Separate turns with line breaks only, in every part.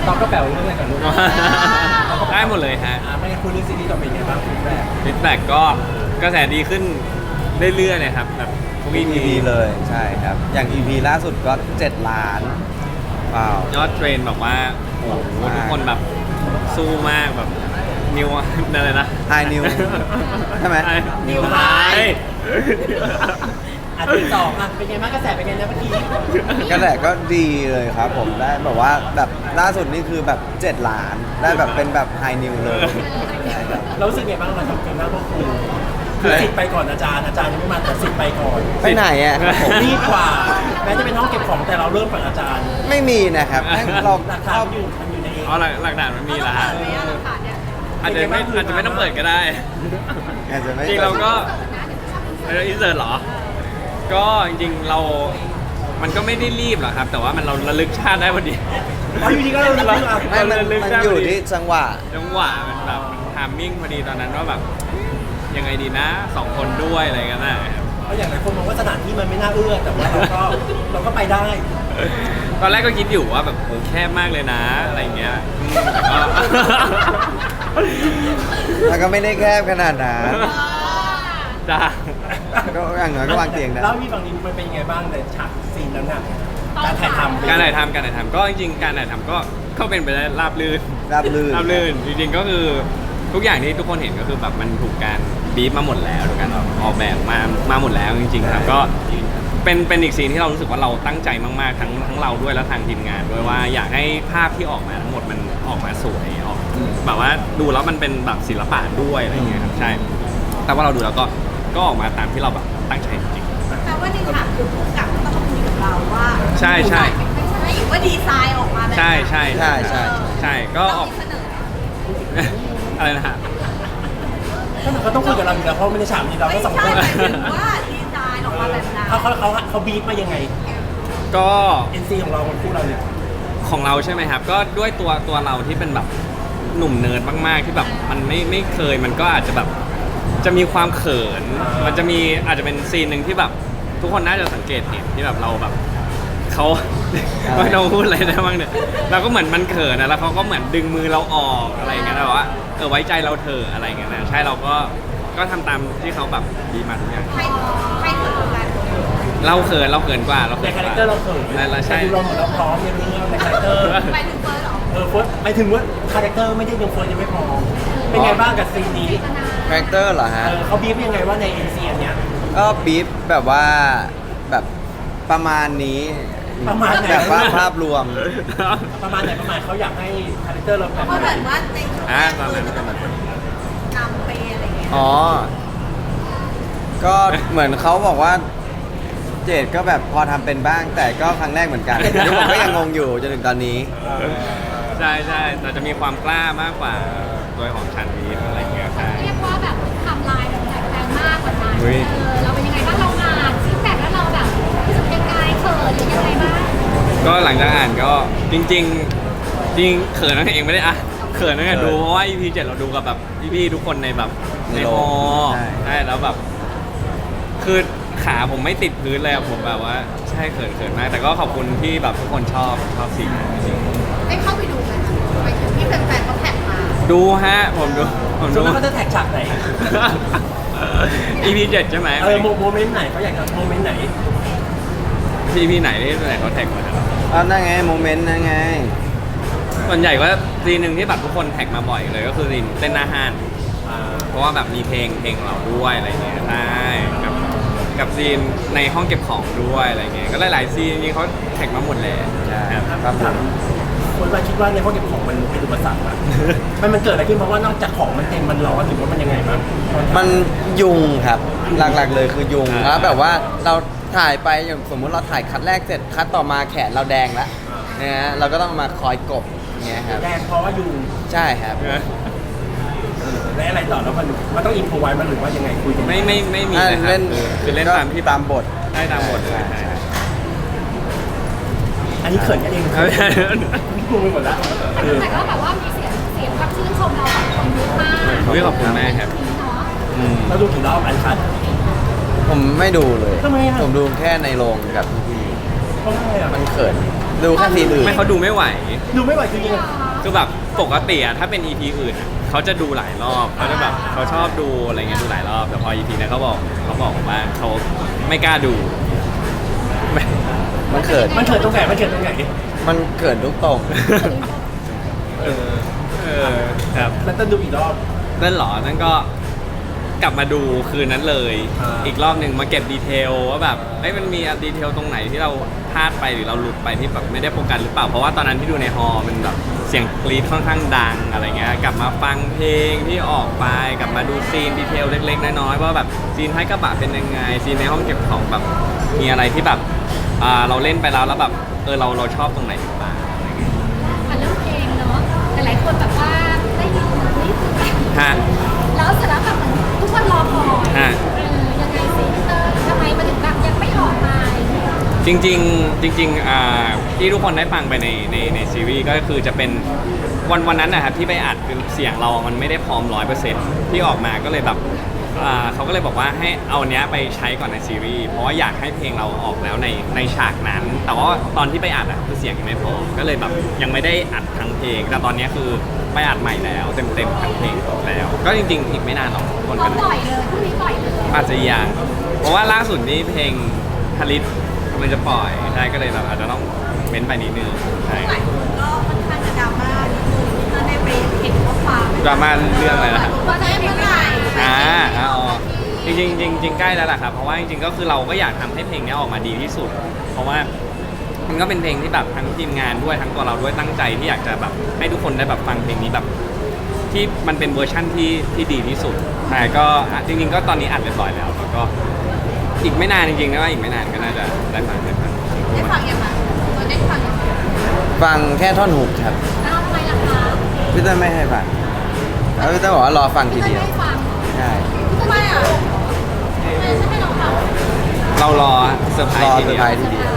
ตอบก็แปลว่าเรื่องอะไรกันลูก
ได้หมดเลยฮะ
ไม่งั้นคุณเรื่องซีรีส์ต่อไปยังไงบ้างคุณแม่
ฟีดแบ็กก็กระแสดีขึ้นเรื่อยๆเลยครับแบบทุก
ทุก
EP
EP เลยใช่ครับ อย่าง EP ล่าสุดก็ 7 ล้านว้าวย
อดเทรนแบบว่าโอ้โหทุกคนแบบสู้มากแบบนิวอะไรนะ
ไฮนิวใช่ไหม
นิวไฮ
ที่สองเป็นไงบ้างกระแสเป็นไงนะเมื่อกี้
กระแสก็ดีเลยครับผมได้แบบว่าแบบล่าสุดนี่คือแบบ 7 ล้าน ได้แบบเป็นแบบไฮนิวเลยใช่ครับ
เรารู้สึกไงบ้างเราทำเกินหน้าพวกคุณคือสิทธิ์ไปก่อนอาจารย์ยังไม่มาแต่สิทธิ์ไปก่อน
ไปไหนอ่ะครับผม
รีบกว่าแม้จะเป็นห้องเก็บของแต่เราเริ่มก่อนอาจารย์
ไม่มีนะครับเรา
หลักฐานมันอยู่ในเอง
อ๋อหลักฐานมันมีแล้วฮะอาจจะไม่ต้องเปิดก็ได้
อาจจะไม่
จริงเราก็อินเสิร์ตเหรอ ก็จริงๆมันก็ไม่ได้รีบหรอกครับ แต่ว่าเราระลึกชาติได้พอดี
อยู่ดีก็เราเริ่ม
ไม่มันอยู่ที่จังหวะ
จังหวะมันแบบทามมิ่งพอดีตอนนั้นว่าแบบยังไงดีนะ2 คนด้วยอะไรกันนะครับ
เพราะอย่างหลายคนมองว่าสถานที่มันไม่น่าเอื้อแต่ว่าเราก็ไปได้
ตอนแรกก็คิดอยู่ว่าแบบโหแคบมากเลยนะอะไรอย่างเงี้ยแต่ก็
มันก็ไม่ได้แคบขนาดนั้น
จ้า
ก็อย่างน้อยก็วางเตียงได้
แล้วมีฝั่งนี้มันเป็นยังไงบ้างในฉากซีนนั้นน่ะการถ่ายทำ
การถ่ายทำก็จริงๆการถ่ายทำก็เป็นไปได้ราบรื่น
ราบรื่น
ราบรื่นจริงๆก็คือทุกอย่างที่ทุกคนเห็นก็คือแบบมันถูกการบีบมาหมดแล้วถูกการออกแบบมาหมดแล้วจริงๆครับก็เป็นอีกซีนที่เรารู้สึกว่าเราตั้งใจมากๆทั้งเราด้วยและทางทีมงานด้วยว่าอยากให้ภาพที่ออกมาทั้งหมดมันออกมาสวยออกแบบว่าดูแล้วมันเป็นแบบศิลปะด้วยอะไรอย่างเงี้ยครับใช่แต่ว่าเราดูแล้วก็ออกมาตามที่เราแบบตั้งใจจริง
แปลว่าในฉากคือผู้กำกับต้องมาคุยกับเราว่า
ใช่ใช่
ไม่ใช่ว่าดีไซน์ออกมาแบบ
ใช่ใช่
ใช่ใช่
ใช่ก็ออก
เสนอ
อะไรนะฮะ
เขาต้องคุยกับเราอยู่แล้วเพราะไม่ได้ฉากนี้เรา
ไม่
ก็สอง
ใช่
คน
หมายถึงว่าดีไซน์ออกมาแบบนั้น
เขาบีบมายังไง
ก็
NC ของเราคนคู่เราเนี่ย
ของเราใช่ไหมครับ ก็ด้วยตัวเราที่เป็นแบบหนุ่มเนิร์ดมากๆที่แบบมันไม่เคยมันก็อาจจะแบบจะมีความเขิน มันจะมีอาจจะเป็นซีนหนึ่งที่แบบทุกคนน่าจะสังเกตเห็นที่แบบเราแบบเขา ไม่ต้องพูดอะไรได้บ้างเนี่ยเราก็เหมือนมันเขินนะแล้วเขาก็เหมือนดึงมือเราออกอะไรอย่างเงี้ยแบบว่าไว้ใจเราเถอะอะไรอย่างเงี้ยนะใช่เราก็ทำตามที่เขาแบบดีมาทุกอย่าง
ใครเกิดกัน
เราเขินกว่าเรา
ใน
เขิน
คาก แรค
ว่า
เตอร์เราเขิน
เราใช่
แต่ดูเราเหมือนเราพร้อมในเรื่องในคาแรคเตอร์
ไปถึงเฟิร์สเหรอ
เฟิร์สหมายถึงว่าคาแรคเตอร์ไม่ได้ยังเฟิร์สยังไม่พร้อมเป็นไงบ้างกับซีนนี้
คาแรคเตอร์เหรอฮะ
เขาบีบยังไงว่าใน NC อันเนี้ย
ก็บีฟแบบว่าแบบประมาณนี้
ประมาณไหน
แบบว่าภาพรวม
ประมาณไหนประมาณเขาอยากให้คาแรคเตอร์เราแบบ
เพราะ
ไห
เห
น
มือนว่าในชุดแรกคือจะเป็นคนนำไปอะไรเงี้ย
อ๋อ ก็เหมือนเขาบอกว่า เจดก็แบบพอทำเป็นบ้าง แต่ก็ครั้งแรกเหมือนกันที่ผมก็ยังงงอยู่จนถึงตอนนี้
ใช่แต่จะมีความกล้ามากกว่าตัวของชันวีอะไรอย่างเงี้ยใช่
เรียกว่าแบบไทำลายแบบแตกต่างมากกว่านั้น
เฮ้ย
เราเป็นยังไงบ้างเราอ่านฟีดแบ็กแล้วเราแบบรู้สึกยังไงเขินหรือยังไงบ้าง
ก็หลังจากอ่านก็จริงเขินนั่นเองไม่ได้อ่ะเขินนั่นเองดูเพราะว่า EP 7เราดูกับแบบพี่ๆทุกคนในแบบ
ใน
ใน
โร
ฮ
ง
อ
ใช่
ใช่แล้วแบบคือขาผมไม่ติดพื้นเลยอะผมแบบว่าใช่เขินมากแต่ก็ขอบคุณที่แบบทุกคนชอบซีนนั้นจริง
ได้เข้าไปดูไหมไปถึงที่แฟนๆเขาแท็กมา
ๆดูฮะผมดู
ส่วนมากเขาจะแท็กฉากไหน
EP 7ใช่ไหม
โมเมนต์ไหนเขาอยากจะโมเมนต์ไหน
EP ไหนที่ไหนเขาแท็กมา
อ๋อนั่นไงโมเมนต์นั่นไง
ส่วนใหญ่ก็ซีนหนึ่งที่แบบทุกคนแท็กมาบ่อยเลยก็คือซีนเต้นหน้าห้านเพราะว่าแบบมีเพลงเราด้วยอะไรเงี้ยใช่กับซีนในห้องเก็บของด้วยอะไรเงี้ยก็หลายๆซีนจริงๆเขาแท็กมาหมดเลย
ใช่
ครับ
ครับผม
คนมาคิดว่าในห้องเก็บของมันเป็นอุปสรรคอะมันเกิดอะไรขึ้นเพราะว่านอกจากของมันเต็มมันร้อนหรือว่ามันยังไงบ้าง
มันยุงครับ หลักๆเลยคือยุงแล้วแบบว่าเราถ่ายไปอย่างสมมุติเราถ่ายคัดแรกเสร็จคัดต่อมาแขนเราแดงแล้วนะฮะเราก็ต้องมาคอยกบอย่างเงี้ยครับ
แดงเพราะว่ายุง
ใช่ครับ
และอะไรต่อแล้วมันต้องอินโฟไว้มันหรือว่ายังไงคุยกัน
ไม่มีเลยครับคือเล่นตามที่
ตามบท
ได้ตามบทเลย
ใช่
อันนี้เขินกันเอง
ใช่
งงไปหมดแล้ว
แต่ก็แบบว่ามีเสียงความชื่นชมเราของคนเยอะมาก
อุ๊ยขอบคุณแม่ครับ
เนาะ
เราดูกี่รอบอันคัด
ผมไม่ดูเลย
ทำไมอะ
ผมดูแค่ในโรงกับพี่
เราะว่าอะไรอ่ะ
มันเขินดูแค่ซีนอื่น
ไม่เขาดูไม่ไหว
ดูไม่ไหวจริงๆอะ
คือแบบปกติอะถ้าเป็น EP อื่นอะเขาจะดูหลายรอบเขาจะแบบเขาชอบดูอะไรเงี้ยดูหลายรอบแต่พอ EP เนี้ยเขาบอกว่าเขาไม่กล้าดูไม่
มันเขิน
มันเกิดตรงไหนมันเกิดตรงไหน
มันเขินทุกตรง
เออครับ
แล้วต้องดูอีกรอบ
นั่นเหรอนั่นก็กลับมาดูคืนนั้นเลย
อ่า
อีกรอบหนึ่งมาเก็บดีเทลว่าแบบเอ้ยมันมีดีเทลตรงไหนที่เราพลาดไปหรือเราหลุดไปที่แบบไม่ได้โฟกัสหรือเปล่าเพราะว่าตอนนั้นที่ดูในฮอลล์มันแบบเสียงกรี๊ดค่อนข้างดังอะไรเงี้ยกลับมาฟังเพลงที่ออกไปกลับมาดูซีนดีเทลเล็กๆน้อยๆว่าแบบซีนท้ายกระบะเป็นยังไงซีนในห้องเก็บของแบบมีอะไรที่แบบเราเล่นไปแล้วแบบเราชอบตรงไหนหรือเปล่าอะไรเงี้ย
อ่ะเรื่องเพลงเนาะหลายๆคนแบบว่าได้ยินนี่คือแบบ
ฮะ
แล้วเสร็จแล้วแบบเหมือนทุกคนรอคอย
ฮะ
ยังไงซิเตอร์ทำไมมันถึงแบบยังไม่ออกมา
จริงที่ทุกคนได้ฟังไปในซีรีส์ก็คือจะเป็นวันนั้นนะครับที่ไปอัดคือเสียงเรามันไม่ได้พร้อม 100%ที่ออกมาก็เลยแบบเขาก็เลยบอกว่าให้เอาเนี้ยไปใช้ก่อนในซีรีส์เพราะว่าอยากให้เพลงเราออกแล้วในฉากนั้น แต่ว่าตอนที่ไปอัดคือเสียงยังไม่พอก็เลยแบบยังไม่ได้อัดทั้งเพลงแต่ตอนเนี้ยคือไปอัดใหม่แล้วเต็มทั้งเพลงแล้ว ก็จริงๆอีกไม่นานหรอกทุกคน
พร้อ
ก็
มปล่อยเลยพรุ่งนี้ปล่อยเลย
อาจจะยังเพราะว่าล่าสุดนี้เพลงฮาริสมันจะปล่อยใช่ก็เลยแบบอาจจะต้องเม้นไปนิดนึงใช่
หลายคนก็ค่อนข้างจะดราม่านิดนึงก็ได้ไปเห็นข้อความ
ดราม่าเรื่องอะไรนะครับ
ว่าได้เมื่อไหร่
อ๋อจริงใกล้แล้วแหละครับเพราะว่าจริงๆก็คือเราก็อยากทำให้เพลงนี้ออกมาดีที่สุด เพราะว่ามันก็เป็นเพลงที่แบบทั้งทีมงานด้วยทั้งตัวเราด้วยตั้งใจที่อยากจะแบบให้ทุกคนได้แบบฟังเพลงนี้แบบที่มันเป็นเวอร์ชั่นที่ดีที่สุดแต่ก็จริงๆก็ตอนนี้อัดเรียบร้อยแล้วแล้วก็อีกไม่นานจริงๆนะว่าอีกไม่นานก็น่าจะได้ฟัง
ได้ฟังยังไงได้ฟังยังไง
ฟังแค่ท่อนฮุกครับ
อ้าวทำไมล่ะคะ
พี่เต้ยไม่ให้ฟังแล้วพี่เต้ยบอกว่ารอฟังที
พี่
เดียว
ไม่ฟัง
ใช่
ทำไมอ่ะฉันไม่ลองฟัง
เรารอเซอร์ไพร
รอ
ส์ที
เซอ
เดี
ร์
ย
ไพร
ว
ส์ทีเดียว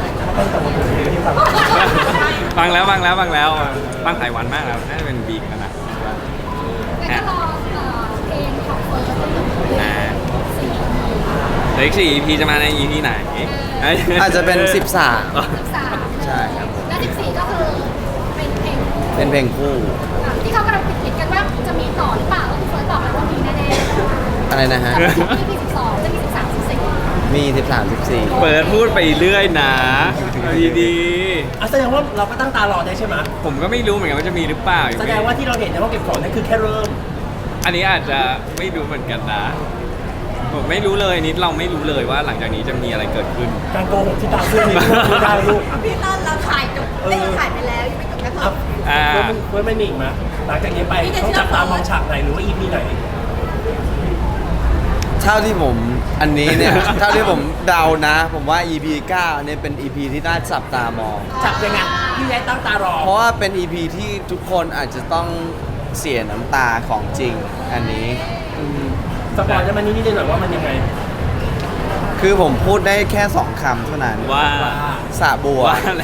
ฟังแล้วฟังหลายวันมากแล้วน่าจะเป็นบีกันนะ
แล้วก็รอเพลงของเฟิร์สที่อยู่
อ่า
สี่
เดี๋ยวอีก4 EP จะมาใน EP ไหน
อาจจะเป็น 13
13
ใช่ครับ
และ14ก็คือเป็นเพลง
เป็นเพลงคู่
ที่เขากำลังคิดกันว่าจะมีต่อหรือเปล่าก็คือเฟิร์สบอกแล้วว่ามีแน่ๆ
อะไรนะฮะ
จะมี12จะมี13 14
มี 13 14
เปิดพูดไปเรื่อยนะดี
อ่ะแสดงว่าเราก็ตั้งตารอได้ใช่ไหม
ๆผมก็ไม่รู้เหมือนกันว่าจะมีหรือเปล่า
แสดงว่าที่เราเห็นในห้องเก็บของนั่นคือแค่เริ่ม
อันนี้อาจจะไม่รู้เหมือนกันนะผมไม่รู้เลยนิดเราไม่รู้เลยว่าหลังจากนี้จะมีอะไรเกิดขึ้น
การโกหกที่ตามเสื้อนี่ไม่ได้ลูก
พี่ต้นเราถ่ายจบได้ถ่ายไปแล้วยังไม่จบแค่เพิ่
อ่ะ
ม
อ่า
เฟิร์สไม่มีอีกไหมหลังจากนี้ไป
พี่จะ
ต้อง
เชื่อ
จับตามองฉากไหนหรือว่า EP ไหน
เท่าที่ผมอันนี้เนี่ย เท่าที่ผมเดานะ ผมว่า EP 9เนี่ยเป็น EP ที่น่าจับตามอง
จับยังไงพี่แย้ตั้งตารอ
เพราะว่าเป็น EP ที่ทุกคนอาจจะต้องเสียน้ำตาของจริงอันนี้อืม
สปอยล์ได้ไหมนิดๆหน่อยๆว่ามันยังไง
คือผมพูดได้แค่ 2 คำเท่านั้น
ว่า
สระบัว
ว่าอะไร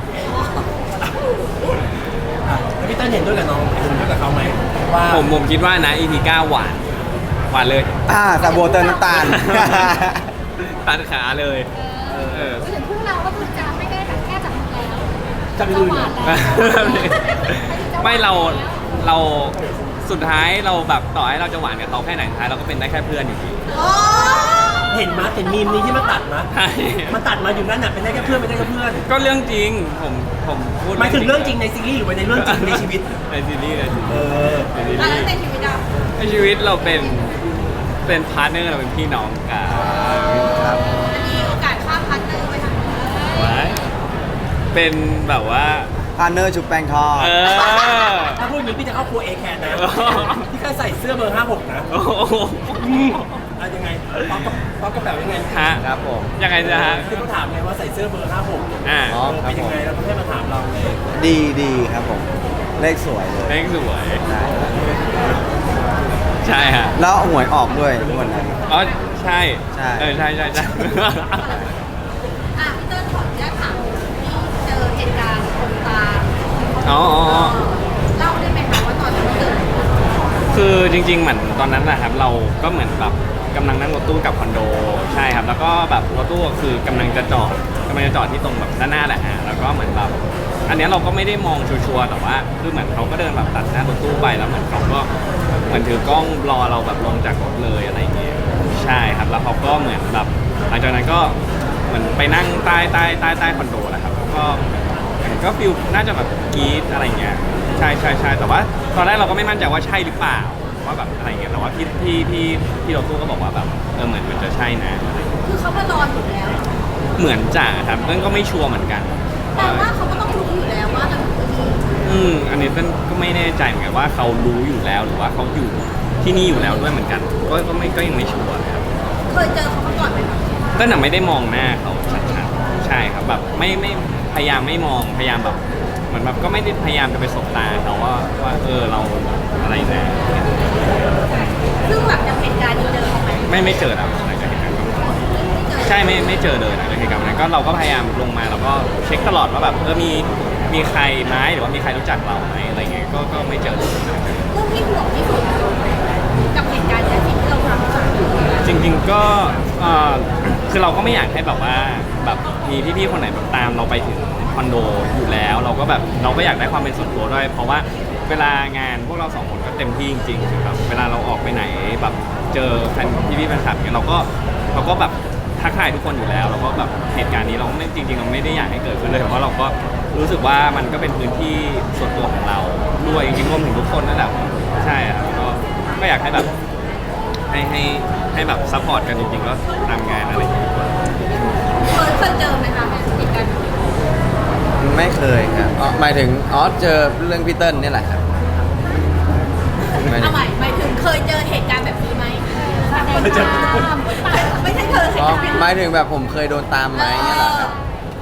อ่ะแล้วพี่เต้นเห็นด้วยกับน้องเห็นด้วยกับเขาไหมว่า
ผมคิดว่านะ EP 9หวานเลย
สระบัวเติมน้ำตาล
ตัดขาเลย
ถึงพวกเราก็คือจะไม่ได้แบบแค่จับมือแล้ว
จะไป
จะ
ดู
ห
เหร
วา
อน
แล้ว
ไม่เราสุดท้ายเราแบบต่อให้เราจะหวานกับเขาแค่ไหนสุดท้ายเราก็เป็นได้แค่เพื่อนอยู่ดี
โอ้
เห็นมาเห็นมีมนี้ที่มาตัดมา
ใช่
มันตัดมาอยู่นั่นน่ะเป็นได้แค่เพื่อนไม่ได้แค่เพื่อน
ก็เรื่องจริงผมพูด
หมายถึงเรื่องจริงในซีรีส์หรือว่าในเรื่องจริงในชีวิต
ในซีรีส์
เออ
ในซี
แล้ว
รีส์
ในชีวิตอ่ะ
ในชีวิตเราเป็นพาร์ทเนอร์เราเป็นพี่น้องกัน
ครับ
อันนี้โอกาสข้ามพันเนอร์ไปทางนี้
ไว้เป็นแบบว่า
พาร์เนอร์ชุบแป้งทอด
เออ
ถ้าพูดอย่างนี้พี่จะเข้าครัวเอแคนนะพี่แค่ใส่เสื้อเบอร์ 56 นะ
โอ้โห
อะยังไงป๊อกกระเป๋ายังไง
ฮะ
ครับผม
ยังไงจะฮะ
ที่เขาถามไงว่าใส่เสื้อเบอร์ 56
อ่า
อ๋อ
เป็นยังไงแล้วก็ให้มาถามเราเลย
ดีครับผม เลขสวยเลย
เลขสวย
ใช่
ใช่ฮะ
แล้วหวยออกด้วยวันนั้น
อ๋อใช่
ใช่
ใช่
อ่ะพี่เติ้ลขออนุญาตถามที่เจอเหตุการณ์คนตา
อ๋อ
เล่าได้ไหมคะว่าตอนนั้นมันเกิดอะไรขึ้น
คือจริงๆเหมือนตอนนั้นนะครับเราก็เหมือนแบบกำลังนั่งรถตู้กลับคอนโดใช่ครับแล้วก็แบบรถตู้คือกำลังจะจอดที่ตรงแบบด้านหน้าแหละฮะแล้วก็เหมือนแบบอันเนี้ยเราก็ไม่ได้มองชัวร์ๆแต่ว่าคือเหมือนเขาก็เดินแบบตัดหน้ารถตู้ไปแล้วเหมือนเขาก็เหมือนถือกล้องรอเราแบบลงจากรถเลยอะไรอย่างเงี้ยใช่ครับแล้วเขาก็เหมือนแบบหลังจากนั้นก็เหมือนไปนั่งใต้คอนโดแหละครับก็ฟิลน่าจะแบบกรี๊ดอะไรเงี้ยใช่แต่ว่าตอนแรกเราก็ไม่มั่นใจว่าใช่หรือเปล่าว่าแบบอะไรเงี้ยแต่ว่าพี่รถตู้ก็บอกว่าแบบเหมือนมันจะใช่นะอะไรเงี้ย
คือเขามารออยู่แล้ว
เหมือนจะครับเต้นก็ไม่ชัวร์เหมือนกัน
แต่ว่าเขาก็ต้องรู้อยู่แล้วว่าเราอยู่ที่นี่
อันนี้เต้นก็ไม่แน่ใจเหมือนกันว่าเขารู้อยู่แล้วหรือว่าเขาอยู่ที่นี่อยู่แล้วด้วยเหมือนกันก็ยังไม่ชัวร์นะครับ
เคยเจอเขามาก่อนไหมคะ
เต้นไม่ได้มองหน้าเขาชัดๆใช่ครับแบบไม่พยายามไม่มองพยายามแบบเหมือนแบบก็ไม่ได้พยายามจะไปสบตาเขาว่าเราอะไรนะ
ซึ่งหลังจากเหตุการณ์นี้เจอเขาไหม
ไม่เจอแล้วหลังจากเหตุการณ์นั้นใช่ไม่เจอเลยหลังจากเหตุการณ์นั้นก็เราก็พยายามลงมาแล้วก็เช็คตลอดว่าแบบมีใครไหมหรือว่ามีใครรู้จักเราไหมอะไรเงี้ยก็ไม่เจอเลย
เรื่องที่ห่วงที่สุดกับเหตุการณ์นี้สิ่งที่เราทำจาก
จริงๆก็คือเราก็ไม่อยากให้แบบว่าแบบมีพี่ๆคนไหนแบบตามเราไปถึงคอนโดอยู่แล้วเราก็อยากได้ความเป็นส่วนตัวด้วยเพราะว่าเวลางานพวกเราสองคนก็เต็มที่จริงๆคือแบบเวลาเราออกไปไหนแบบเจอแฟนพี่ๆแฟนคลับเนี่ยเราก็แบบทักทายทุกคนอยู่แล้วแล้วก็แบบเหตุการณ์นี้เราไม่จริงๆเราไม่ได้อยากให้เกิดขึ้นเลยเพราะเราก็รู้สึกว่ามันก็เป็นพื้นที่ส่วนตัวของเราด้วยจริงๆรวมถึงทุกคนนั่นแหละใช่ครับก็อยากให้แบบให้แบบซัพพอร์ตกันจริงๆก็ตามงานอะไรอย่างเงี้ย
เคยเจอไหมคะเหตุการณ์นี้
ไม่เคยครับหมายถึงเจอเรื่องพี่เติ้ลนี่แหละครับหมายถึ
เอา
ง
หมายถึงเคยเจอเหตุการณ์แบบนี้ไหมไม่ใช่เธอเหตุการณ์แบบ
หมายถึงแบบผมเคยโดนตามไหมเนี่ยเหรอครับ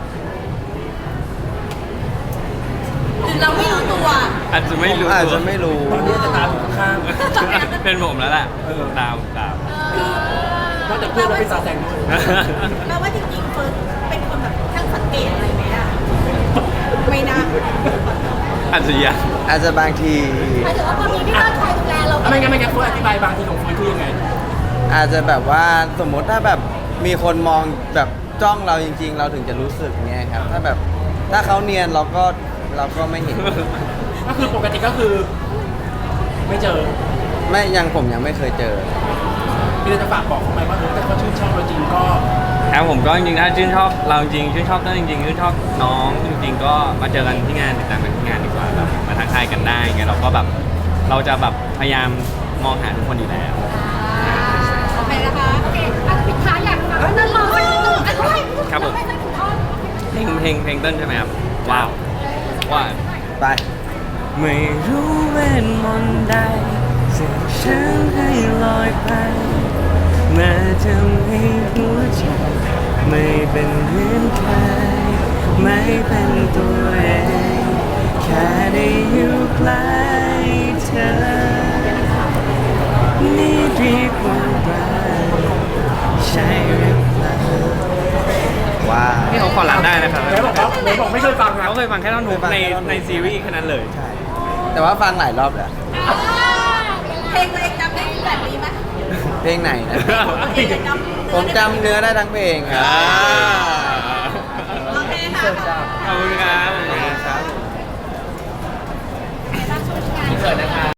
หรือเราไม่รู้ตัว
อาจจะไม่รู้
อาจจะไม่รู้
ตอนนี้จะตามอยู่ข้าง
เป็นผมแล้วแหละตาม
นอกจากเพื่อนแล้วเป็นซาแซงด้วย
แปลว่าจริงๆเฟิร์สเป็นคนแบบช่างสังเกตอะไรไหมอะไม่นะ
อาจจะยัง
อาจจะบางที
หมายถึงว่าพอมีพี่เลิศคอยดูแลเรา
ไม่งั้นเฟิร์สอธิบายบางทีของเฟิร์สคือยังไง
อาจจะแบบว่าสมมติถ้าแบบมีคนมองแบบจ้องเราจริง ๆ เราถึงจะรู้สึกเงี้ยครับถ้าเขาเนียนเราก็ไม่เห็น
ก็คือปกติก็คือ ไม่เจอ
ผมยังไม่เคยเจอ
พี่เลยจะฝากบอกเขาไหมว่าแต่เขาชื่นชอบเราจริงก็
ครับผมก็จริงๆถ้าชื่นชอบเราจริงชื่นชอบต้นจริงๆชื่นชอบน้องจริงๆก็มาเจอกันที่งานติดตามกันที่งานดีกว่าแบบมาทักทายกันได้ไงเราก็แบบเราจะแบบพยายามมองหาทุกคนอยู่แล้ว
โอเคนะคะโอเคปิดท้ายอยากฟังนั่นรอให้หนึ่งด้วย
ครับผม
ให้ถูกต้อง
เพลงเต้นใช่ไหมครับว้าวว่า
ไป
ไม่รู้เวทมนต์ใดสึกฉันให้ลอยไปมาทำให้หัวใจไม่เป็นเหมือนใครไม่เป็นตัวเองแค่ได้อยู่ใกล้เธอนี่ดีกว่ารักใช่หรือเปล่า
ว้าว
นี่เขาขอรับได้นะครับ
ไหนบอกไม่เคยฟังนะ
เขาเคยฟังแค่ท่อนฮุกในซีรีส์แค่นั้นเลย
แต่ว่าฟังหลายรอบแล้ว
เพลงตัวเองจำได้แบบนี้ไหม
เพลงไหนนะ
เพลงจำ
ผมจำเนื้อได้ทั้งเพลงครับ
โอเคค่ะ
ขอบคุณครับ
ครับ
เกิดนะคะ